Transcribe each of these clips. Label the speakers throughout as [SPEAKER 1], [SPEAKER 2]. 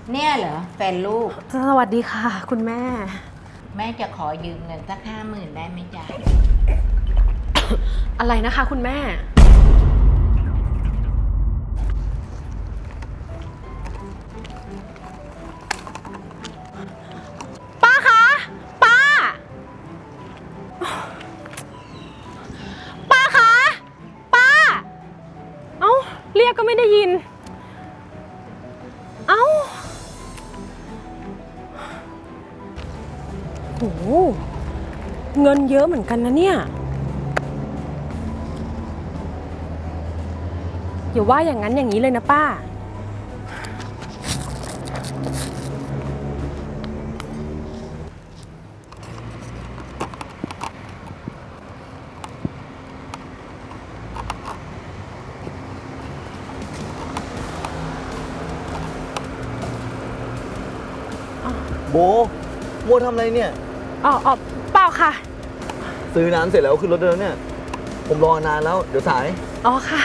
[SPEAKER 1] เนี่ยเหรอแฟนลูก
[SPEAKER 2] สวัสดีค่ะคุณแม่
[SPEAKER 1] แม่จะขอยืมเงินสัก50,000ได้ไหมจ๊ะ
[SPEAKER 2] อะไรนะคะคุณแม่ ป้าคะป้า ป้าคะป้า เอ้าเรียกก็ไม่ได้ยิน เอ้าโหเงินเยอะเหมือนกันนะเนี่ยอย่าว่าอย่างนั้นอย่างนี้เลยนะป้า
[SPEAKER 3] โบทำอะไรเนี่ย
[SPEAKER 2] อ๋อเปล่าค่ะ
[SPEAKER 3] ซื้อน้ำเสร็จแล้วขึ้นรถเดินเนี่ย ผมรอนานแล้ว เดี๋ยวสาย
[SPEAKER 2] อ๋อค่ะ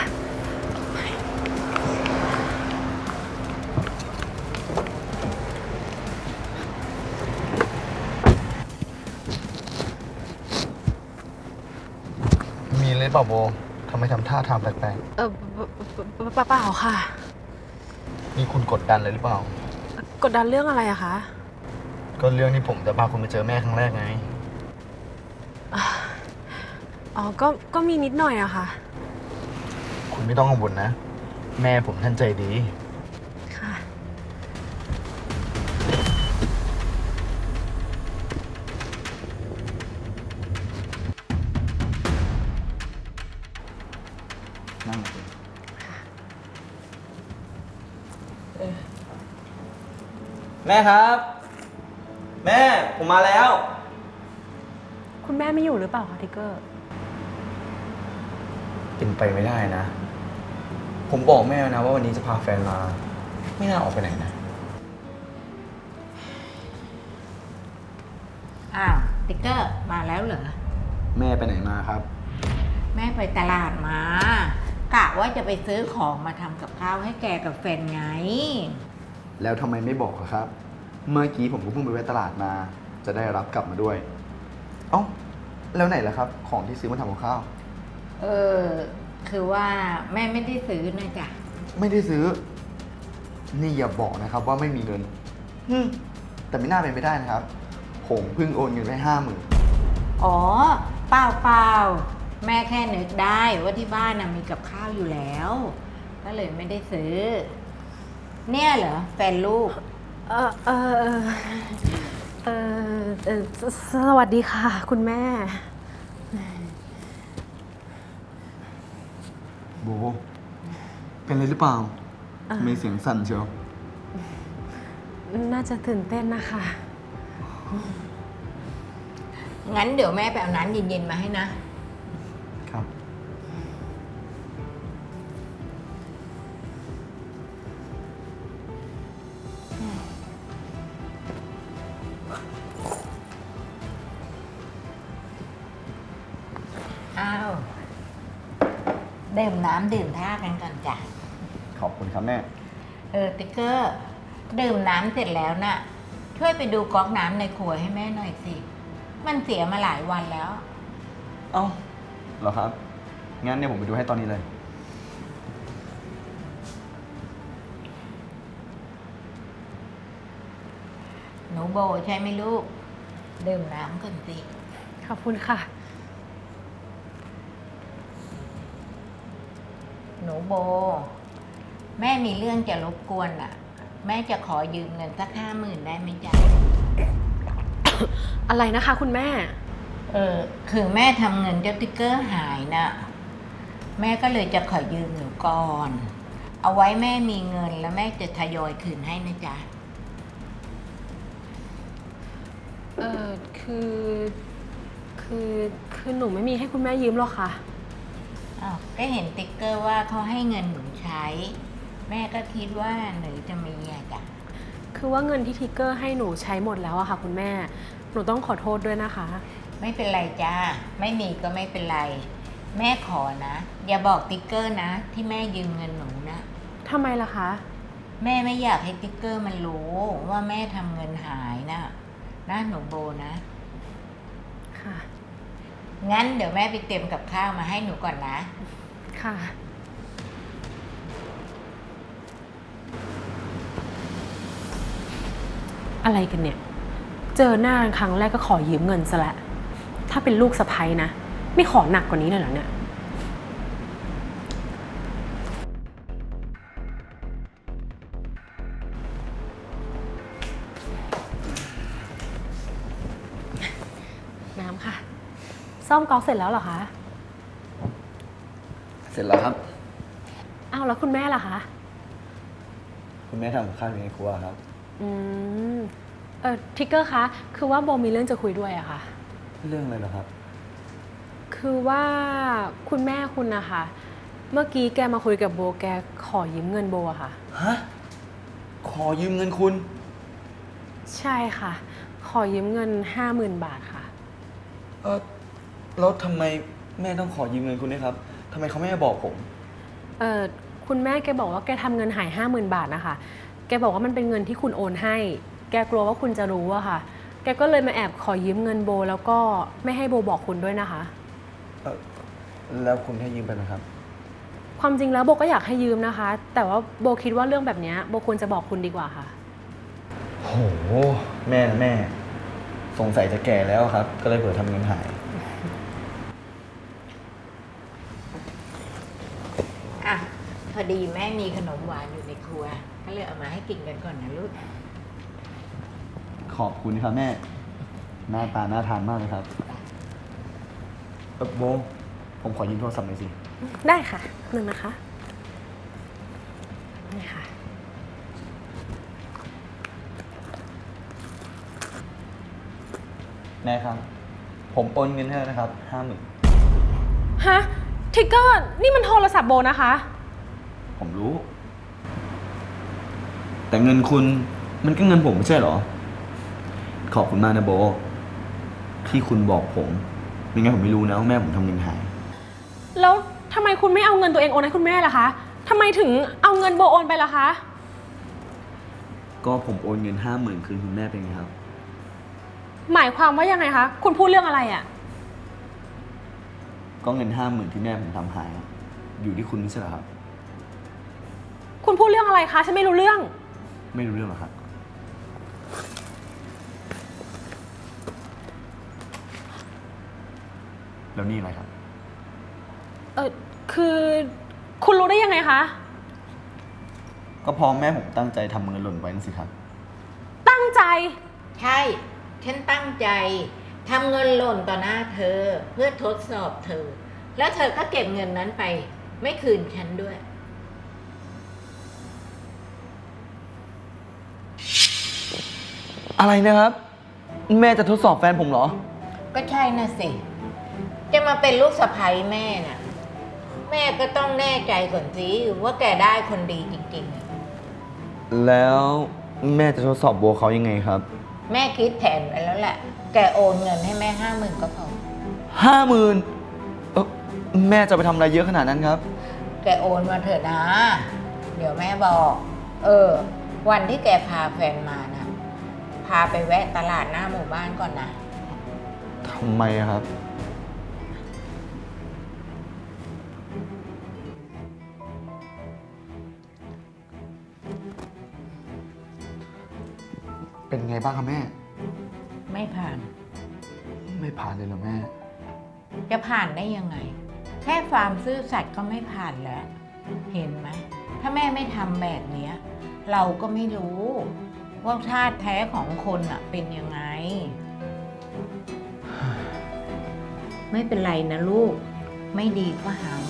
[SPEAKER 3] มีเลยเปล่าโบทำไมทำท่าทางแปลก
[SPEAKER 2] เปล่าค่ะ
[SPEAKER 3] ๆนี่คุณกดดันเลยหรือเปล่า
[SPEAKER 2] กดดันเรื่องอะไรอะคะ
[SPEAKER 3] ก็เรื่องที่ผมจะพาคุณไปเจอแม่ครั้งแรกไง
[SPEAKER 2] อ๋อก็มีนิดหน่อยอะค่ะ
[SPEAKER 3] คุณไม่ต้องกังวลนะ แม่ผมท่านใจดี
[SPEAKER 2] ค่ะ
[SPEAKER 3] นั่งเลยแม่ครับ แม่ผมมาแล้ว
[SPEAKER 2] คุณแม่ไม่อยู่หรือเปล่าคะทิกเกอร์
[SPEAKER 3] เป็นไปไม่ได้นะ ผมบอกแม่นะว่าวันนี้จะพาแฟนมา ไม่น่าออกไปไหนนะ
[SPEAKER 1] อ้าวติ๊กเกอร์มาแล้วเหรอ
[SPEAKER 3] แม่ไปไหนมาครับ
[SPEAKER 1] แม่ไปตลาดมากะว่าจะไปซื้อของมาทำกับข้าวให้แกกับแฟนไง
[SPEAKER 3] แล้วทำไมไม่บอกอะครับ เมื่อกี้ผมก็เพิ่งไปแวะตลาดมา จะได้รับกลับมาด้วย เอ้า แล้วไหนล่ะครับ ของที่ซื้อมาทำกับข้าว
[SPEAKER 1] เออคือว่าแม่ไม่ได้ซื้อนะจ๊ะ
[SPEAKER 3] ไม่ได้ซื้อ นี่อย่าบอกนะครับว่าไม่มีเงินแต่ไม่น่าเป็นไปได้นะครับ ผมเพิ่งโอนเงินไป50,000
[SPEAKER 1] อ๋อเปล่าเปล่าแม่แค่นึกได้ว่าที่บ้านน่ะมีกับข้าวอยู่แล้ว ก็เลยไม่ได้ซื้อ เนี่ยเหรอแฟนลูก
[SPEAKER 2] เออเออเออเออสวัสดีค่ะ คุณแม่
[SPEAKER 3] โบ เป็นอะไรหรือเปล่าทำไมเสียงสั่นเชียว
[SPEAKER 2] น่าจะตื่นเต้นนะคะ
[SPEAKER 1] งั้นเดี๋ยวแม่ไปเอาน้ำเย็นๆมาให้นะ
[SPEAKER 3] ครับ
[SPEAKER 1] อ้าวดื่มน้ำดื่มท่ากันก่อนจ้ะ
[SPEAKER 3] ขอบคุณครับแม่
[SPEAKER 1] ติ๊กเกอร์ดื่มน้ำเสร็จแล้วน่ะ ช่วยไปดูก๊อกน้ำในครัวให้แม่หน่อยสิ มันเสียมาหลายวันแล้ว
[SPEAKER 3] เอ้าเหรอครับ งั้นเนี่ยผมไปดูให้ตอนนี้เลย
[SPEAKER 1] หนูโบใช่ไหมลูก ดื่มน้ำก่อนสิ
[SPEAKER 2] ขอบคุณค่ะ
[SPEAKER 1] หนูโบ แม่มีเรื่องจะรบกวนอ่ะ แม่จะขอยืมเงินสัก50,000ได้ไหมจ๊ะ
[SPEAKER 2] อะไรนะคะคุณแม่
[SPEAKER 1] คือแม่ทำเงินเจ้าติ๊กเกอร์หายนะ แม่ก็เลยจะขอยืมหนูก่อน เอาไว้แม่มีเงินแล้วแม่จะทยอยคืนให้นะจ๊ะ
[SPEAKER 2] เออคือคือหนูไม่มีให้คุณแม่ยืมหรอกค่ะ
[SPEAKER 1] อ้าวก็เห็นติ๊กเกอร์ว่าเขาให้เงินหนูใช้ แม่ก็คิดว่าหนูจะมีอะจ้ะ
[SPEAKER 2] คือว่าเงินที่ทิกเกอร์ให้หนูใช้หมดแล้วอะค่ะคุณแม่ หนูต้องขอโทษด้วยนะคะ
[SPEAKER 1] ไม่เป็นไรจ้า ไม่มีก็ไม่เป็นไร แม่ขอนะ อย่าบอกติ๊กเกอร์นะ ที่แม่ยืมเงินหนูนะ
[SPEAKER 2] ทำไมล่ะคะ
[SPEAKER 1] แม่ไม่อยากให้ติ๊กเกอร์มันรู้ว่าแม่ทำเงินหายนะหนูโบนะ
[SPEAKER 2] ค่ะ
[SPEAKER 1] งั้นเดี๋ยวแม่ไปเตรียมกับข้าวมาให้หนูก่อนนะ
[SPEAKER 2] ค่ะ อะไรกันเนี่ย เจอหน้าครั้งแรกก็ขอยืมเงินซะและ้วถ้าเป็นลูกสะใภ้นะ ไม่ขอหนักกว่านี้เลยเหรอเนี่ย น้ำค่ะ ซ่อมก๊อกเสร็จแล้วเหรอคะ
[SPEAKER 3] เสร็จแล้วครับ
[SPEAKER 2] อ้าวแล้วคุณแม่ล่ะคะ
[SPEAKER 3] คุณแม่ทำกับข้าวอยู่ในครัวครับ
[SPEAKER 2] อืมทิกเกอร์คะ คือว่าโบมีเรื่องจะคุยด้วยอะค่ะ
[SPEAKER 3] เรื่องอะไรเหรอครับ
[SPEAKER 2] คือว่าคุณแม่คุณนะคะ เมื่อกี้แกมาคุยกับโบแกขอยืมเงินโบอะค่ะ
[SPEAKER 3] ฮะ ขอยืมเงินคุณ
[SPEAKER 2] ใช่ค่ะ ขอยืมเงิน 50,000 บาทค่ะ
[SPEAKER 3] แล้วทำไมแม่ต้องขอยืมเงินคุณด้วยครับทำไมเขาไม่มาบอกผม
[SPEAKER 2] คุณแม่แกบอกว่าแกทำเงินหาย 50,000 บาทนะคะ แกบอกว่ามันเป็นเงินที่คุณโอนให้ แกกลัวว่าคุณจะรู้อะค่ะ แกก็เลยมาแอบขอยืมเงินโบแล้วก็ไม่ให้โบบอกคุณด้วยนะคะ
[SPEAKER 3] แล้วคุณให้ยืมไปไหมครับ
[SPEAKER 2] ความจริงแล้วโบก็อยากให้ยืมนะคะ แต่ว่าโบคิดว่าเรื่องแบบนี้โบควรจะบอกคุณดีกว่าค่ะ
[SPEAKER 3] โห แม่นะแม่ สงสัยจะแก่แล้วครับ ก็เลยเผื่อทำเงินหาย
[SPEAKER 1] อ่ะ พอดีแม่มีขนมหวานอยู่ในครัว ก็เลยเอามาให้กินกันก่อนนะลูก
[SPEAKER 3] ขอบคุณครับแม่ หน้าตาน่าทานมากเลยครับโบ ผมขอยืมโทรศัพท์หน่อยสิ
[SPEAKER 2] ได้ค่ะหนึ่งนะคะ นี่ค่ะ
[SPEAKER 3] แม่ครับ ผมโอนเงินให้แล้วนะครับ 50,000
[SPEAKER 2] ฮะ ทิกเกอร์ นี่มันโทรศัพท์โบนะคะ
[SPEAKER 3] ผมรู้ แต่เงินคุณมันก็เงินผมไม่ใช่เหรอ ขอบคุณมากนะโบ ที่คุณบอกผมไม่งั้นผมไม่รู้นะว่าแม่ผมทำเงินหาย
[SPEAKER 2] แล้วทำไมคุณไม่เอาเงินตัวเองโอนให้คุณแม่ล่ะคะทำไมถึงเอาเงินโบโอนไปล่ะคะ
[SPEAKER 3] ก็ผมโอนเงิน 50,000 คืนคุณแม่ไปไงครับ
[SPEAKER 2] หมายความว่ายังไงคะ คุณพูดเรื่องอะไรอะ
[SPEAKER 3] ก็เงิน 50,000 ที่แม่ผมทำหาย อยู่ที่คุณไม่ใช่เหรอครับ
[SPEAKER 2] คุณพูดเรื่องอะไรคะ ฉันไม่รู้เรื่อง
[SPEAKER 3] ไม่รู้เรื่องหรอครับ แล้วนี่อะไรครับ
[SPEAKER 2] คือคุณรู้ได้ยังไงคะ
[SPEAKER 3] ก็เพอแม่ผมตั้งใจทำเงินหล่นไว้นั่นสิครับ
[SPEAKER 2] ตั้งใจ
[SPEAKER 1] ใช่ ฉันตั้งใจทำเงินหล่นต่อหน้าเธอ เพื่อทดสอบเธอ แล้วเธอก็เก็บเงินนั้นไป ไม่คืนฉันด้วย
[SPEAKER 3] อะไรนะครับ แม่จะทดสอบแฟนผมเหรอ
[SPEAKER 1] ก็ใช่น่ะสิ จะมาเป็นลูกสะใภ้แม่น่ะ แม่ก็ต้องแน่ใจก่อนสิว่าแกได้คนดีจริงๆอะ
[SPEAKER 3] แล้วแม่จะทดสอบโบเขายังไงครับ
[SPEAKER 1] แม่คิดแผนไว้แล้วแหละ แกโอนเงินให้แม่ 50,000ก็พอ
[SPEAKER 3] 50,000แม่จะไปทำอะไรเยอะขนาดนั้นครับ
[SPEAKER 1] แกโอนมาเถอะนะ เดี๋ยวแม่บอก วันที่แกพาแฟนมานะ พาไปแวะตลาดหน้าหมู่บ้านก่อนนะ
[SPEAKER 3] ทำไมอะครับ เป็นไงบ้างครับแม่
[SPEAKER 1] ไม่ผ่าน
[SPEAKER 3] ไม่ผ่านเลยเหรอแม่
[SPEAKER 1] จะผ่านได้ยังไง แค่ความซื่อสัตย์ก็ไม่ผ่านแล้ว เห็นไหม ถ้าแม่ไม่ทำแบบเนี้ย เราก็ไม่รู้ว่าธาตุแท้ของคนอะเป็นยังไง ไม่เป็นไรนะลูก ไม่ดีก็หาใหม่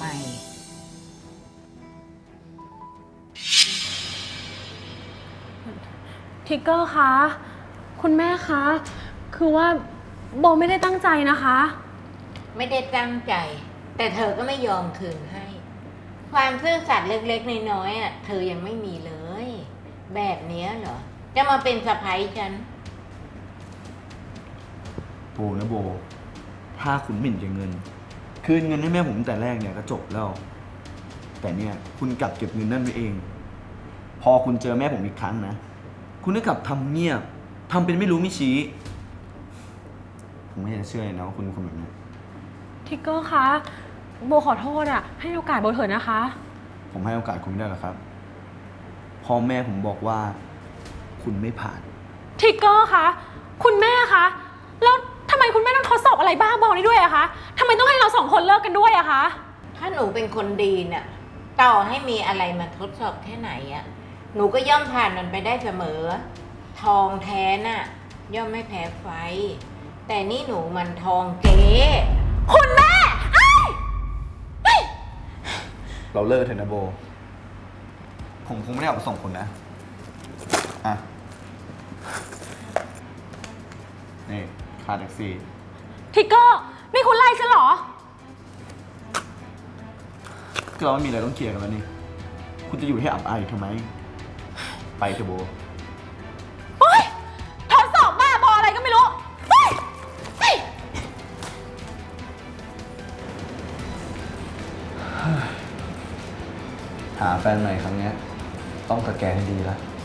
[SPEAKER 2] ทิกเกอร์คะ คุณแม่คะ คือว่าโบไม่ได้ตั้งใจนะคะ
[SPEAKER 1] ไม่ได้ตั้งใจ แต่เธอก็ไม่ยอมคืนให้ ความซื่อสัตย์เล็กๆน้อยๆอ่ะเธอยังไม่มีเลย แบบเนี้ยเหรอ จะมาเป็นสะใภ้ฉัน
[SPEAKER 3] โบนะโบ ถ้าคุณหมิ่นเก็บเงิน คืนเงินให้แม่ผมตั้งแต่แรกเนี่ยก็จบแล้ว แต่เนี่ยคุณกลับเก็บเงินนั่นไว้เองพอคุณเจอแม่ผมอีกครั้งนะ คุณก็กลับทำเงียบทำเป็นไม่รู้ไม่ชี้ ผมไม่อยากจะเชื่อเลยนะว่าคุณเป็นคนแบบนี้
[SPEAKER 2] ทิกเกอร์คะ โบขอโทษอะให้โอกาสโบเถอะนะคะ
[SPEAKER 3] ผมให้โอกาสคุณไม่ได้หรอกครับพ่อแม่ผมบอกว่าคุณไม่ผ่าน
[SPEAKER 2] ทิกเกอร์คะ คุณแม่คะ แล้วทำไมคุณแม่ต้องทดสอบอะไรบ้าบอนี้ด้วยอะคะทำไมต้องให้เราสองคนเลิกกันด้วยอะคะ
[SPEAKER 1] ถ้าหนูเป็นคนดีเนี่ยต่อให้มีอะไรมาทดสอบแค่ไหนอะหนูก็ย่อมผ่านมันไปได้เสมอ ทองแท้น่ะ ย่อมไม่แพ้ไฟ แต่นี่หนูมันทองเก๊
[SPEAKER 2] คุณแม่เอ้ย
[SPEAKER 3] เราเลิกเถอะนะโบ ผมคงไม่ได้เอาไปส่งคุณนะ อ่ะ นี่ค่าแท็กซี่
[SPEAKER 2] ทิกเกอร์นี่คุณไล่ฉันเหรอ
[SPEAKER 3] ก็เราไม่มีอะไรต้องเคลียร์กันแล้วนี่ คุณจะอยู่ให้อับอายอยู่ทำไม ไปเถอะโบ
[SPEAKER 2] โอ๊ยทดสอบบ้าบออะไรก็ไม่รู้เฮ้ยเฮ้ย
[SPEAKER 3] หาแฟนใหม่ครั้งเนี้ยต้องสแกนให้ดีละ